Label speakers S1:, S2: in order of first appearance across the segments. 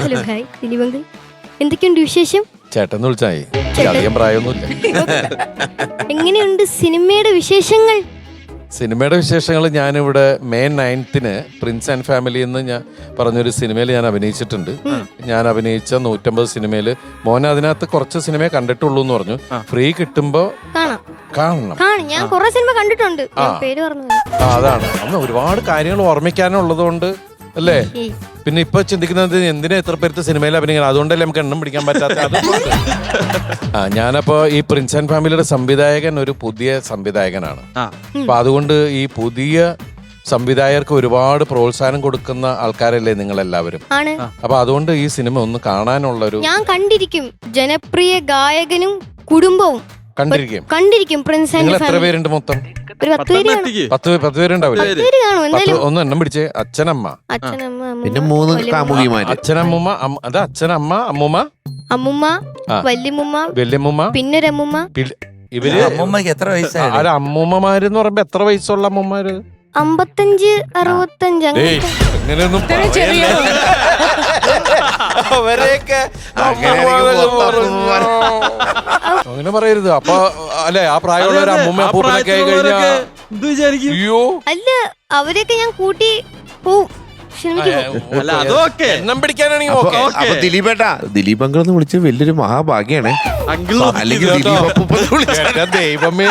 S1: Hello hi Dileep. എന്തൊക്കെയുണ്ട് വിശേഷം?
S2: ചേട്ടൻ വിളിച്ചായി, അധികം പ്രായമൊന്നുമില്ല.
S1: എങ്ങനെയുണ്ട് സിനിമയുടെ വിശേഷങ്ങൾ?
S2: സിനിമയുടെ വിശേഷങ്ങൾ ഞാനിവിടെ May 9th Prince and family എന്ന് ഞാൻ പറഞ്ഞൊരു സിനിമയിൽ ഞാൻ അഭിനയിച്ചിട്ടുണ്ട്. ഞാൻ അഭിനയിച്ച 150 സിനിമയിൽ മോനെ അതിനകത്ത് കുറച്ച് സിനിമയെ കണ്ടിട്ടുള്ളൂ എന്ന് പറഞ്ഞു. ഫ്രീ കിട്ടുമ്പോ കാണണം.
S1: ഞാൻ കുറെ സിനിമ കണ്ടിട്ടുണ്ട്. പേര് പറഞ്ഞു.
S2: അതാണ് അന്ന് ഒരുപാട് കാര്യങ്ങൾ ഓർമ്മിക്കാനുള്ളത് കൊണ്ട് അല്ലേ. പിന്നെ ഇപ്പൊ ചിന്തിക്കുന്നത് എന്തിനാ എത്ര പേർക്ക് സിനിമയിൽ അഭിനയിക്കണം, അതുകൊണ്ടല്ലേ നമുക്ക് എണ്ണം പിടിക്കാൻ പറ്റാത്ത. ഞാനപ്പോ ഈ പ്രിൻസ് ആൻഡ് ഫാമിലിയുടെ സംവിധായകൻ ഒരു പുതിയ സംവിധായകനാണ്. അപ്പൊ അതുകൊണ്ട് ഈ പുതിയ സംവിധായകർക്ക് ഒരുപാട് പ്രോത്സാഹനം കൊടുക്കുന്ന ആൾക്കാരല്ലേ നിങ്ങളെല്ലാവരും. അപ്പൊ അതുകൊണ്ട് ഈ സിനിമ ഒന്ന് കാണാനുള്ളൊരു,
S1: ഞാൻ കണ്ടിരിക്കും. ജനപ്രിയ ഗായകനും കുടുംബവും കണ്ടിരിക്കും. പ്രിൻസ് ആൻഡ്
S2: എത്ര പേരുണ്ട് മൊത്തം? 10 പേരുണ്ടാവില്ലേ? ഒന്ന് എണ്ണം പിടിച്ചേ. അച്ഛനമ്മ,
S3: പിന്നെ 3 കാമുകിമാര്.
S2: അച്ഛനമ്മൂമ്മ, അത് അച്ഛനമ്മ, അമ്മൂമ്മ,
S1: അമ്മുമ്മ, വല്യമ്മൂമ്മ, പിന്നൊരമ്മൂമ്മ.
S2: ഇവര്
S4: അമ്മൂമ്മക്ക് എത്ര വയസ്സായി?
S2: അമ്മൂമ്മമാരെന്ന് പറയുമ്പോ എത്ര വയസ്സുള്ള അമ്മൂമ്മമാര്?
S1: 55, 65.
S2: അങ്ങനെയൊന്നും അങ്ങനെ പറയരുത്. അപ്പൊ അല്ലെ ആ പ്രായമുള്ള ഒരു അമ്മൂമ്മ അപ്പൂപ്പനൊക്കെ ആയി കഴിഞ്ഞാ
S1: അല്ല, അവരെയൊക്കെ ഞാൻ കൂട്ടി പോവും.
S2: എണ്ണം പിടിക്കാനാണെങ്കിൽ
S3: ദിലീപേട്ടാ, ദിലീപ് അങ്കിൾ എന്ന് വിളിച്ചത് വലിയൊരു മഹാഭാഗ്യാണ്. അല്ലെങ്കിൽ
S2: ദൈവമേ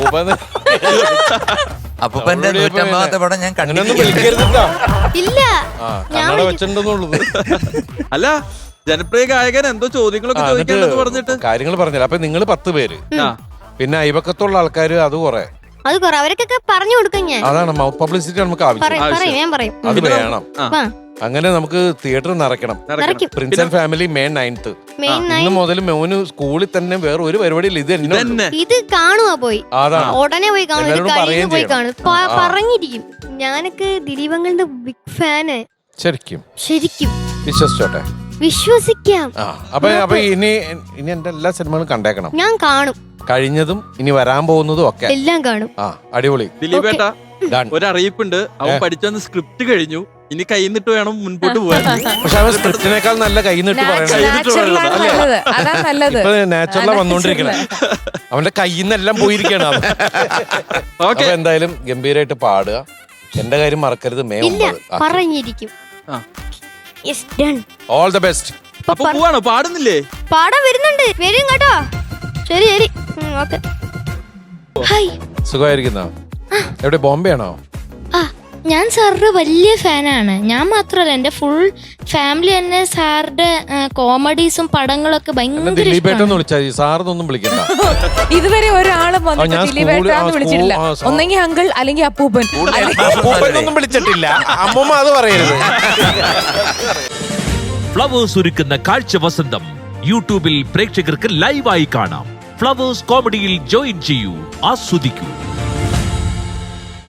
S4: അപ്പൂപ്പന്റെ 150ാമത്തെ പടം ഞാൻ കണ്ടു.
S1: ഇല്ല,
S2: വെച്ചിട്ടുണ്ടെന്നുള്ളത്.
S5: അല്ല, ജനപ്രിയ ഗായകൻ എന്തോ ചോദ്യങ്ങളൊക്കെ ചോദിക്കേണ്ടത് പറഞ്ഞിട്ട്
S2: കാര്യങ്ങൾ പറഞ്ഞില്ല. അപ്പൊ നിങ്ങൾ 10 പേര്, പിന്നെ അയൽപക്കത്തുള്ള ആൾക്കാര് അത് കുറെ
S1: അവരൊക്കെ പറഞ്ഞു കൊടുക്കും. ഞാൻ
S2: അതാണ് മൗത്ത് പബ്ലിസിറ്റി നമുക്ക് ആവശ്യം. അത് വേണം. അങ്ങനെ നമുക്ക് തിയേറ്റർ നിറയ്ക്കണം. Prince and family May 9th. ഇന്ന് മുതൽ മോന് സ്കൂളിൽ തന്നെ വേറെ ഒരു പരിപാടിയിൽ
S1: ഇത് കാണുക പോയി. ഉടനെ പോയി കാണും. പറഞ്ഞിരിക്കും. ഞാനൊക്കെ ദിലീപങ്ങളുടെ ബിഗ് ഫാന്.
S2: ശരിക്കും വിശ്വസിച്ചോട്ടെ,
S1: വിശ്വസിക്കാം.
S2: അപ്പൊ ഇനി എന്റെ എല്ലാ സിനിമകളും കണ്ടേക്കണം.
S1: ഞാൻ കാണും.
S2: കഴിഞ്ഞതും ഇനി വരാൻ പോകുന്നതും ഒക്കെ
S1: എല്ലാം കാണും.
S2: അടിപൊളി.
S5: ദിലീപേട്ട, ഒരു അറിയിപ്പുണ്ട്. അവൻ പഠിച്ചെന്ന് സ്ക്രിപ്റ്റ് കഴിഞ്ഞു, ഇനി കൈന്നിട്ട് വേണം മുൻപോട്ട് പോകാൻ.
S2: പക്ഷെ അവൻ സ്ക്രിപ്റ്റിനേക്കാൾ നല്ല കൈന്നിട്ട് നാച്ചുറലാ വന്നോണ്ടിരിക്കണേ. അവന്റെ കയ്യിൽ നിന്നെല്ലാം പോയിരിക്കണം. അപ്പൊ എന്തായാലും ഗംഭീരമായിട്ട് പാടുക. എന്റെ കാര്യം മറക്കരുത്. May 9
S1: പറഞ്ഞിരിക്കും.
S2: All the best.
S5: അപ്പൊ പോവാണോ? പാടുന്നില്ലേ?
S1: പാടാൻ വരുന്നുണ്ട്. വരും കേട്ടോ. ശരി.
S2: സുഖമായിരിക്കുന്നോ? എവിടെ, ബോംബെ ആണോ?
S6: ഞാൻ സാറിന്റെ വലിയ ഫാനാണ്. ഞാൻ മാത്രല്ല, എന്റെ ഫുൾ ഫാമിലി തന്നെ സാറിന്റെ കോമഡീസും പടങ്ങളൊക്കെ ഭയങ്കര.
S2: ദിലീപേട്ടെന്ന് വിളിച്ചാൽ സാറിനൊന്നും വിളിക്കണ്ട.
S7: ഇതുവരെ ഒരാളും ദിലീപേട്ടാന്ന് വിളിച്ചിട്ടില്ല. ഒന്നെങ്കിൽ അങ്കിൾ അല്ലെങ്കിൽ അപ്പൂപ്പൻ.
S2: അപ്പൂപ്പനൊന്നും വിളിച്ചിട്ടില്ല. അമ്മൂമ്മ അത് പറയരുത്.
S8: ഫ്ലവേഴ്സ് ഒരുക്കുന്ന കാഴ്ച വസന്തം യൂട്യൂബിൽ പ്രേക്ഷകർക്ക് ലൈവായി കാണാം. ഫ്ലവേഴ്സ് കോമഡിയിൽ ജോയിൻ ചെയ്യൂ, ആസ്വദിക്കൂ.